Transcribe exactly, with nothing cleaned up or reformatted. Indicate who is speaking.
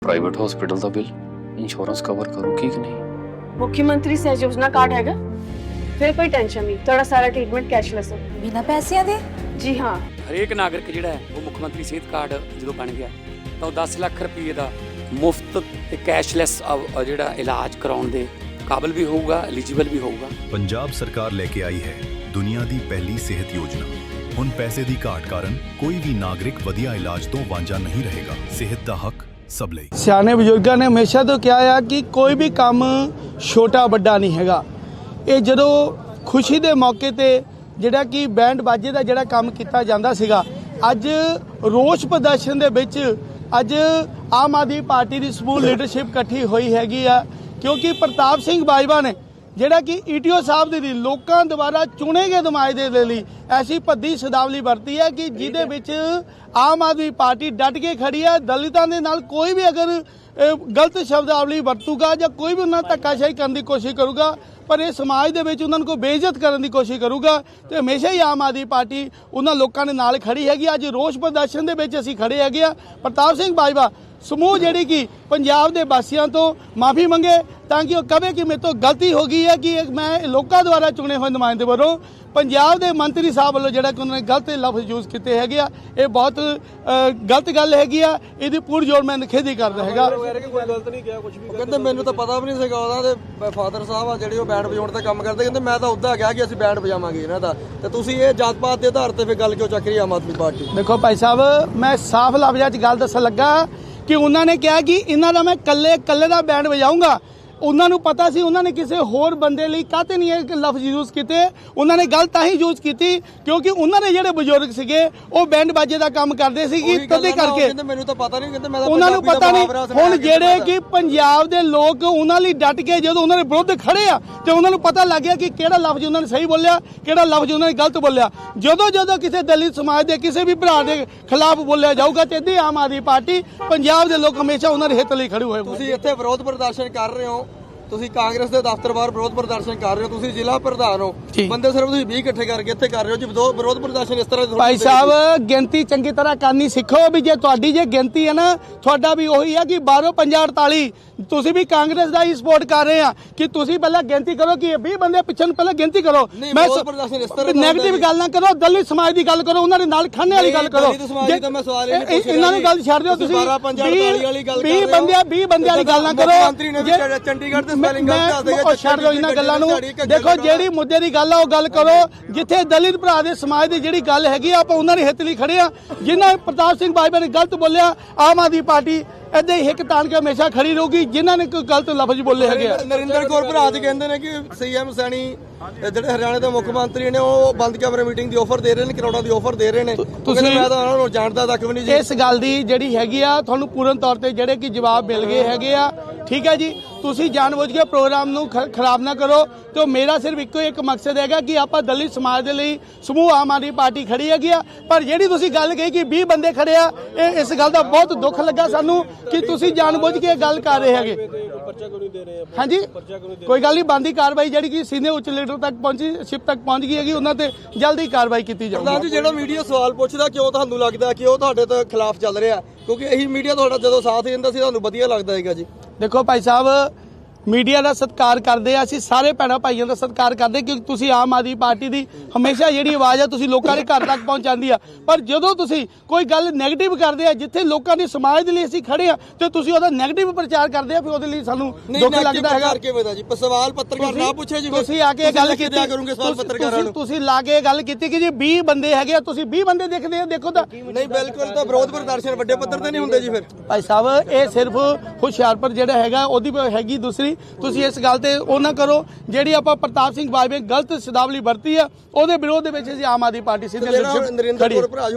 Speaker 1: Private hospital का bill insurance cover करूगी कि नहीं?
Speaker 2: मुख्यमंत्री सहज योजना कार्ड हैगा, फिर कोई टेंशन नहीं, थोड़ा सारा ट्रीटमेंट कैशलेस है।
Speaker 3: बिना पैसिਆਂ ਦੇ
Speaker 2: जी हाँ,
Speaker 4: ਹਰੇਕ ਨਾਗਰਿਕ ਜਿਹੜਾ ਹੈ ਉਹ ਮੁੱਖ ਮੰਤਰੀ ਸਿਹਤ ਕਾਰਡ ਜਦੋਂ ਬਣ ਗਿਆ ਤਾਂ ਉਹ ਦਸ ਲੱਖ ਰੁਪਏ ਦਾ ਮੁਫਤ ਤੇ ਕੈਸ਼ਲੈਸ ਜਿਹੜਾ ਇਲਾਜ ਕਰਾਉਣ ਦੇ ਕਾਬਿਲ ਵੀ ਹੋਊਗਾ, ਐਲੀਜੀਬਲ ਵੀ ਹੋਊਗਾ।
Speaker 5: ਪੰਜਾਬ ਸਰਕਾਰ ਲੈ ਕੇ ਆਈ ਹੈ ਦੁਨੀਆ ਦੀ ਪਹਿਲੀ ਸਿਹਤ ਯੋਜਨਾ। ਹੁਣ ਪੈਸੇ ਦੀ ਘਾਟ ਕਾਰਨ ਕੋਈ ਵੀ ਨਾਗਰਿਕ ਵਧੀਆ ਇਲਾਜ ਤੋਂ ਵਾਂਝਾ ਨਹੀਂ ਰਹੇਗਾ। ਸਿਹਤ ਦਾ ਹੱਕ ਸਭ ਲਈ।
Speaker 6: ਸਿਆਣੇ ਬਜ਼ੁਰਗਾਂ ਨੇ ਹਮੇਸ਼ਾ ਤੋਂ ਕਿਹਾ ਆ ਕਿ ਕੋਈ ਵੀ ਕੰਮ ਛੋਟਾ ਵੱਡਾ ਨਹੀਂ ਹੈਗਾ। ਇਹ ਜਦੋਂ ਖੁਸ਼ੀ ਦੇ ਮੌਕੇ ਤੇ ਜਿਹੜਾ ਕਿ ਬੈਂਡ ਬਾਜੇ ਦਾ ਜਿਹੜਾ ਕੰਮ ਕੀਤਾ ਜਾਂਦਾ ਸੀਗਾ, ਅੱਜ ਰੋਸ ਪ੍ਰਦਰਸ਼ਨ ਦੇ ਵਿੱਚ ਅੱਜ ਆਮ ਆਦਮੀ ਪਾਰਟੀ ਦੀ ਸਮੂਹ ਲੀਡਰਸ਼ਿਪ ਇਕੱਠੀ ਹੋਈ ਹੈਗੀ ਆ, ਕਿਉਂਕਿ ਪ੍ਰਤਾਪ ਸਿੰਘ ਬਾਜਵਾ ਨੇ ਜਿਹੜਾ ਕਿ ਈਟੀਓ ਸਾਹਿਬ ਦੇ ਲਈ ਲੋਕਾਂ ਦੁਆਰਾ ਚੁਣੇ ਗਏ ਨੁਮਾਇੰਦੇ ਦੇ ਲਈ ਐਸੀ ਭੱਦੀ ਸ਼ਬਦਾਵਲੀ ਵਰਤੀ ਹੈ ਕਿ ਜਿਹਦੇ ਵਿੱਚ ਆਮ ਆਦਮੀ ਪਾਰਟੀ ਡਟ ਕੇ ਖੜੀ ਹੈ। ਦਲਿਤਾਂ ਦੇ ਨਾਲ ਕੋਈ ਵੀ ਅਗਰ ਗਲਤ ਸ਼ਬਦਾਵਲੀ ਵਰਤੂਗਾ ਜਾਂ ਕੋਈ ਵੀ ਉਹਨਾਂ ਧੱਕਾਸ਼ਾਹੀ ਕਰਨ ਦੀ ਕੋਸ਼ਿਸ਼ ਕਰੂਗਾ, ਪਰ ਇਹ ਸਮਾਜ ਦੇ ਵਿੱਚ ਉਹਨਾਂ ਨੂੰ ਕੋਈ ਬੇਇੱਜ਼ਤ ਕਰਨ ਦੀ ਕੋਸ਼ਿਸ਼ ਕਰੂਗਾ ਤੇ ਹਮੇਸ਼ਾ ਹੀ ਆਮ ਆਦਮੀ ਪਾਰਟੀ ਉਹਨਾਂ ਲੋਕਾਂ ਦੇ ਨਾਲ ਖੜੀ ਹੈਗੀ। ਅੱਜ ਰੋਸ ਪ੍ਰਦਰਸ਼ਨ ਦੇ ਵਿੱਚ ਅਸੀਂ ਖੜੇ ਹੈਗੇ ਆ। ਪ੍ਰਤਾਪ ਸਿੰਘ ਬਾਜਵਾ ਸਮੂਹ ਜਿਹੜੀ ਕਿ ਪੰਜਾਬ ਦੇ ਵਾਸੀਆਂ ਤੋਂ ਮਾਫੀ ਮੰਗੇ ਤਾਂ ਕਿ ਉਹ ਕਹੇ ਕਿ ਮੇਰੇ ਤੋਂ ਗਲਤੀ ਹੋ ਗਈ ਹੈ ਕਿ ਮੈਂ ਲੋਕਾਂ ਦੁਆਰਾ ਚੁਣੇ ਹੋਏ ਨੁਮਾਇੰਦੇ ਵੱਲੋਂ ਪੰਜਾਬ ਦੇ ਮੰਤਰੀ ਸਾਹਿਬ ਵੱਲੋਂ ਜਿਹੜਾ ਕਿ ਉਹਨਾਂ ਨੇ ਗਲਤ ਲਫ਼ਜ਼ ਯੂਜ਼ ਕੀਤੇ ਹੈਗੇ ਆ, ਇਹ ਬਹੁਤ ਗਲਤ ਗੱਲ ਹੈਗੀ ਆ। ਇਹਦੀ ਪੂਰੀ ਜੋੜ ਮੈਂ ਨਿਖੇਧੀ ਕਰਦਾ ਹੈਗਾ।
Speaker 7: ਕਹਿੰਦੇ ਮੈਨੂੰ ਤਾਂ ਪਤਾ ਵੀ ਨਹੀਂ ਸੀਗਾ ਉਹਨਾਂ ਦੇ ਫਾਦਰ ਸਾਹਿਬ ਆ ਜਿਹੜੇ ਉਹ ਬੈਂਡ ਵਜਾਉਣ ਤੇ ਕੰਮ ਕਰਦੇ, ਕਹਿੰਦੇ ਮੈਂ ਤਾਂ ਉੱਦਾਂ ਕਿਹਾ ਕਿ ਅਸੀਂ ਬੈਂਡ ਵਜਾਵਾਂਗੇ ਇਹਨਾਂ ਦਾ, ਤੇ ਤੁਸੀਂ ਇਹ ਜਾਤ ਪਾਤ ਦੇ ਆਧਾਰ ਤੇ ਫਿਰ ਗੱਲ ਕਿਉਂ ਚੱਕ ਰਹੀ ਆਮ ਆਦਮੀ ਪਾਰਟੀ?
Speaker 6: ਦੇਖੋ ਭਾਈ ਸਾਹਿਬ, ਮੈਂ ਸਾਫ਼ ਲਫ਼ਜ਼ਾਂ 'ਚ ਗੱਲ ਦੱਸਣ ਲੱਗਾ ਕਿ ਉਹਨਾਂ ਨੇ ਕਿਹਾ ਕਿ ਇਹਨਾਂ ਦਾ ਮੈਂ ਕੱਲੇ ਕੱਲੇ ਦਾ ਬੈਂਡ ਵਜਾਊਂਗਾ। ਉਹਨਾਂ ਨੂੰ ਪਤਾ ਸੀ ਉਹਨਾਂ ਨੇ ਕਿਸੇ ਹੋਰ ਬੰਦੇ ਲਈ ਕਾਹਤੇ ਨਹੀਂ ਇਹ ਲਫ਼ਜ਼ ਯੂਜ਼ ਕੀਤੇ। ਉਹਨਾਂ ਨੇ ਗੱਲ ਤਾਂ ਹੀ ਯੂਜ਼ ਕੀਤੀ ਕਿਉਂਕਿ ਉਹਨਾਂ ਦੇ ਜਿਹੜੇ ਬਜ਼ੁਰਗ ਸੀਗੇ ਉਹ ਬੈਂਡ ਬਾਜੇ ਦਾ ਕੰਮ ਕਰਦੇ ਸੀਗੇ, ਤਦੇ ਕਰਕੇ
Speaker 7: ਮੈਨੂੰ ਤਾਂ ਪਤਾ ਨਹੀਂ, ਕਹਿੰਦੇ ਮੈਂ
Speaker 6: ਉਹਨਾਂ ਨੂੰ ਪਤਾ ਨਹੀਂ। ਹੁਣ ਜਿਹੜੇ ਕਿ ਪੰਜਾਬ ਦੇ ਲੋਕ ਉਹਨਾਂ ਲਈ ਡਟ ਕੇ ਜਦੋਂ ਉਹਨਾਂ ਦੇ ਵਿਰੁੱਧ ਖੜੇ ਆ ਤੇ ਉਹਨਾਂ ਨੂੰ ਪਤਾ ਲੱਗ ਗਿਆ ਕਿ ਕਿਹੜਾ ਲਫ਼ਜ਼ ਉਹਨਾਂ ਨੇ ਸਹੀ ਬੋਲਿਆ, ਕਿਹੜਾ ਲਫ਼ਜ਼ ਉਹਨਾਂ ਨੇ ਗਲਤ ਬੋਲਿਆ। ਜਦੋਂ ਜਦੋਂ ਕਿਸੇ ਦਲਿਤ ਸਮਾਜ ਦੇ ਕਿਸੇ ਵੀ ਭਰਾ ਦੇ ਖਿਲਾਫ ਬੋਲਿਆ ਜਾਊਗਾ ਤੇ ਇੱਦਾਂ ਆਮ ਆਦਮੀ ਪਾਰਟੀ ਪੰਜਾਬ ਦੇ ਲੋਕ ਹਮੇਸ਼ਾ ਉਹਨਾਂ ਦੇ ਹਿੱਤ ਲਈ ਖੜੇ ਹੋਏ।
Speaker 7: ਤੁਸੀਂ ਇੱਥੇ ਵਿਰੋਧ ਪ੍ਰਦਰਸ਼ਨ ਕਰ ਰਹੇ ਹੋ, ਤੁਸੀਂ ਕਾਂਗਰਸ ਦੇ ਦਫ਼ਤਰ ਬਾਹਰ ਵਿਰੋਧ ਪ੍ਰਦਰਸ਼ਨ ਕਰ ਰਹੇ ਹੋ, ਤੁਸੀਂ ਜ਼ਿਲ੍ਹਾ ਪ੍ਰਧਾਨ ਹੋ, ਬੰਦੇ ਸਿਰਫ ਤੁਸੀਂ ਵੀਹ ਇਕੱਠੇ ਕਰਕੇ ਇੱਥੇ ਕਰ ਰਹੇ ਹੋ ਜੀ ਵਿਰੋਧ ਪ੍ਰਦਰਸ਼ਨ ਇਸ ਤਰ੍ਹਾਂ।
Speaker 6: ਭਾਈ ਸਾਹਿਬ, ਗਿਣਤੀ ਚੰਗੀ ਤਰ੍ਹਾਂ ਕਰਨੀ ਸਿੱਖੋ ਵੀ ਜੇ ਤੁਹਾਡੀ ਜੇ ਗਿਣਤੀ ਹੈ ਨਾ, ਤੁਹਾਡਾ ਵੀ ਉਹੀ ਹੈ ਕਿ ਬਾਰੋਂ ਪੰਜਾਹ ਅੜਤਾਲੀ ਤੁਸੀਂ ਵੀ ਕਾਂਗਰਸ ਦਾ ਹੀ ਸਪੋਰਟ ਕਰ ਰਹੇ ਆ ਕਿ ਤੁਸੀਂ ਪਹਿਲਾਂ ਗਿਣਤੀ ਕਰੋ ਕਿ ਵੀਹ ਬੰਦੇ ਪਿੱਛੇ ਨੂੰ ਪਹਿਲਾਂ ਗਿਣਤੀ ਕਰੋ। ਮੈਂ ਨੈਗੇਟਿਵ ਗੱਲ ਨਾ ਕਰੋ, ਦਲਿਤ ਸਮਾਜ ਦੀ ਗੱਲ ਕਰੋ, ਉਹਨਾਂ ਦੇ ਨਾਲ ਖਾਣੇ ਵਾਲੀ ਗੱਲ ਕਰੋ। ਇਹਨਾਂ ਨੂੰ ਗੱਲ ਛੱਡ ਦਿਓ, ਤੁਸੀਂ ਵੀਹ ਬੰਦਿਆਂ ਵੀਹ ਬੰਦਿਆਂ ਵਾਲੀ ਗੱਲ ਨਾ ਕਰੋ।
Speaker 7: ਚੰਡੀਗੜ੍ਹ ਦੇ
Speaker 6: ਮੈਂ ਛੱਡ ਦਿਓ ਇਹਨਾਂ ਗੱਲਾਂ ਨੂੰ। ਦੇਖੋ, ਜਿਹੜੀ ਮੁੱਦੇ ਦੀ ਗੱਲ ਆ ਉਹ ਗੱਲ ਕਰੋ। ਜਿੱਥੇ ਦਲਿਤ ਭਰਾ ਦੇ ਸਮਾਜ ਦੀ ਜਿਹੜੀ ਗੱਲ ਹੈਗੀ ਆਪਾਂ ਉਹਨਾਂ ਦੇ ਹਿੱਤ ਲਈ ਖੜੇ ਆ। ਜਿਨ੍ਹਾਂ ਪ੍ਰਤਾਪ ਸਿੰਘ ਬਾਜਵਾ ਨੇ ਗਲਤ ਬੋਲਿਆ, ਆਮ ਆਦਮੀ ਪਾਰਟੀ ਏਦਾਂ ਹੀ ਹਿੱਕ ਤਾਣ ਕੇ ਹਮੇਸ਼ਾ ਖੜੀ ਰਹੂਗੀ। ਜਿਨ੍ਹਾਂ ਨੇ ਕੋਈ ਗਲਤ ਲਫ਼ਜ਼ ਬੋਲੇ ਹੈਗੇ ਆ।
Speaker 7: ਨਰਿੰਦਰ ਕੌਰ ਭਰਾ ਜੀ ਕਹਿੰਦੇ ਨੇ ਕਿ ਸੀਐਮ ਸੈਣੀ ਜਿਹੜੇ ਹਰਿਆਣਾ ਦੇ ਮੁੱਖ ਮੰਤਰੀ ਨੇ ਉਹ ਬੰਦ ਕਮਰੇ ਮੀਟਿੰਗ ਦੀ ਆਫਰ ਦੇ ਰਹੇ ਨੇ, ਕਰੋੜਾਂ ਦੀ ਆਫਰ ਦੇ ਰਹੇ ਨੇ। ਤੁਸੀਂ ਮੈਂ ਤਾਂ ਉਹਨਾਂ ਨੂੰ ਜਾਣਦਾ ਤੱਕ ਵੀ ਨਹੀਂ ਜੀ।
Speaker 6: ਇਸ ਗੱਲ ਦੀ ਜਿਹੜੀ ਹੈਗੀ ਆ ਤੁਹਾਨੂੰ ਪੂਰਨ ਤੌਰ ਤੇ ਜਿਹੜੇ ਕਿ ਜਵਾਬ ਮਿਲ ਗਏ ਹੈਗੇ ਆ। ਠੀਕ ਹੈ ਜੀ, ਤੁਸੀਂ ਜਾਣਬੁੱਝ ਕੇ ਪ੍ਰੋਗਰਾਮ ਨੂੰ ਖਰਾਬ ਨਾ ਕਰੋ। ਤੇ ਮੇਰਾ ਸਿਰਫ ਇੱਕੋ ਇੱਕ ਮਕਸਦ ਹੈਗਾ ਕਿ ਆਪਾਂ ਦਲਿਤ ਸਮਾਜ ਦੇ ਲਈ ਸਮੂਹ ਆਮ ਆਦਮੀ ਪਾਰਟੀ ਖੜੀ ਹੈਗੀ ਆ। ਪਰ ਜਿਹੜੀ ਤੁਸੀਂ ਗੱਲ ਕਹੀ ਕਿ ਵੀਹ ਬੰਦੇ ਖੜੇ ਆ, ਇਹ ਇਸ ਗੱਲ ਦਾ ਬਹੁਤ ਦੁੱਖ ਲੱਗਾ ਸਾਨੂੰ ਕਿ ਤੁਸੀਂ ਜਾਣਬੁੱਝ ਕੇ ਗੱਲ ਕਰ ਰਹੇ ਹੈਗੇ। ਹਾਂਜੀ, ਕੋਈ ਗੱਲ ਨਹੀਂ, ਬਣਦੀ ਕਾਰਵਾਈ ਜਿਹੜੀ ਕਿ ਸੀਨੀਅਰ ਉੱਚ ਲੀਡਰ ਤੱਕ ਪਹੁੰਚੀ ਸ਼ਿਪ ਤੱਕ ਪਹੁੰਚ ਗਈ ਹੈਗੀ, ਉਹਨਾਂ ਤੇ ਜਲਦੀ ਕਾਰਵਾਈ ਕੀਤੀ ਜਾਊਗੀ।
Speaker 7: ਪ੍ਰਧਾਨ ਜੀ, ਜਿਹੜਾ ਮੀਡੀਆ ਸਵਾਲ ਪੁੱਛਦਾ ਕਿਉਂ ਤੁਹਾਨੂੰ ਲੱਗਦਾ ਕਿ ਉਹ ਤੁਹਾਡੇ ਤੋਂ ਖਿਲਾਫ ਚੱਲ ਰਿਹਾ? ਕਿਉਂਕਿ ਇਹੀ ਮੀਡੀਆ ਤੁਹਾਡਾ ਜਦੋਂ ਸਾਥ ਦਿੰਦਾ ਸੀ ਤੁਹਾਨੂੰ ਵਧੀਆ ਲੱਗਦਾ ਹੈਗਾ ਜੀ।
Speaker 6: ਦੇਖੋ ਭਾਈ ਸਾਹਿਬ, ਮੀਡੀਆ ਦਾ ਸਤਿਕਾਰ ਕਰਦੇ ਆ ਅਸੀਂ, ਸਾਰੇ ਭੈਣਾਂ ਭਾਈਆਂ ਦਾ ਸਤਿਕਾਰ ਕਰਦੇ ਕਿਉਂਕਿ ਤੁਸੀਂ ਆਮ ਆਦਮੀ ਪਾਰਟੀ ਦੀ ਹਮੇਸ਼ਾ ਜਿਹੜੀ ਆਵਾਜ਼ ਆ ਤੁਸੀਂ ਲੋਕਾਂ ਦੇ ਘਰ ਤੱਕ ਪਹੁੰਚਾਉਂਦੀ ਆ। ਪਰ ਜਦੋਂ ਤੁਸੀਂ ਕੋਈ ਗੱਲ ਨੈਗੇਟਿਵ ਕਰਦੇ ਆ, ਜਿੱਥੇ ਲੋਕਾਂ ਦੇ ਸਮਾਜ ਦੇ ਲਈ ਅਸੀਂ ਖੜੇ ਆ ਤੇ ਤੁਸੀਂ ਉਹਦਾ ਨੈਗੇਟਿਵ ਪ੍ਰਚਾਰ ਕਰਦੇ ਆ, ਫਿਰ ਉਹਦੇ ਲਈ ਸਾਨੂੰ ਦੁੱਖ ਲੱਗਦਾ ਹੈਗਾ।
Speaker 7: ਸਵਾਲ ਪੱਤਰਕਾਰ ਨਾ ਪੁੱਛੇ ਜੀ,
Speaker 6: ਤੁਸੀਂ ਆ ਕੇ ਗੱਲ ਕੀਤੀ
Speaker 7: ਕਰੋਗੇ ਸਵਾਲ ਪੱਤਰਕਾਰਾਂ ਨੂੰ।
Speaker 6: ਤੁਸੀਂ ਲਾ ਕੇ ਗੱਲ ਕੀਤੀ ਕਿ ਜੀ ਵੀਹ ਬੰਦੇ ਹੈਗੇ ਆ, ਤੁਸੀਂ ਵੀਹ ਬੰਦੇ ਦੇਖਦੇ ਆ, ਦੇਖੋ ਤਾਂ
Speaker 7: ਨਹੀਂ। ਬਿਲਕੁਲ, ਤਾਂ ਵਿਰੋਧ ਪ੍ਰਦਰਸ਼ਨ ਵੱਡੇ ਪੱਧਰ ਤੇ ਨਹੀਂ ਹੁੰਦੇ ਜੀ। ਫਿਰ
Speaker 6: ਭਾਈ ਸਾਹਿਬ, ਇਹ ਸਿਰਫ ਹੁਸ਼ਿਆਰਪੁਰ ਜਿਹੜਾ ਹੈਗਾ ਉਹਦੀ ਹੈਗੀ ਦੂਸਰੀ। ਤੁਸੀਂ ਇਸ ਗੱਲ ਤੇ ਉਹ ਨਾ ਕਰੋ ਜਿਹੜੀ ਆਪਾਂ ਪ੍ਰਤਾਪ ਸਿੰਘ ਬਾਜਵਾ ਗਲਤ ਸ਼ਬਦਾਵਲੀ ਵਰਤੀ ਆ, ਉਹਦੇ ਵਿਰੋਧ ਦੇ ਵਿੱਚ ਅਸੀਂ ਆਮ ਆਦਮੀ ਪਾਰਟੀ ਸਿੱਧੇ
Speaker 7: ਨਰਿੰਦਰ ਕੌਰ ਭਰਾ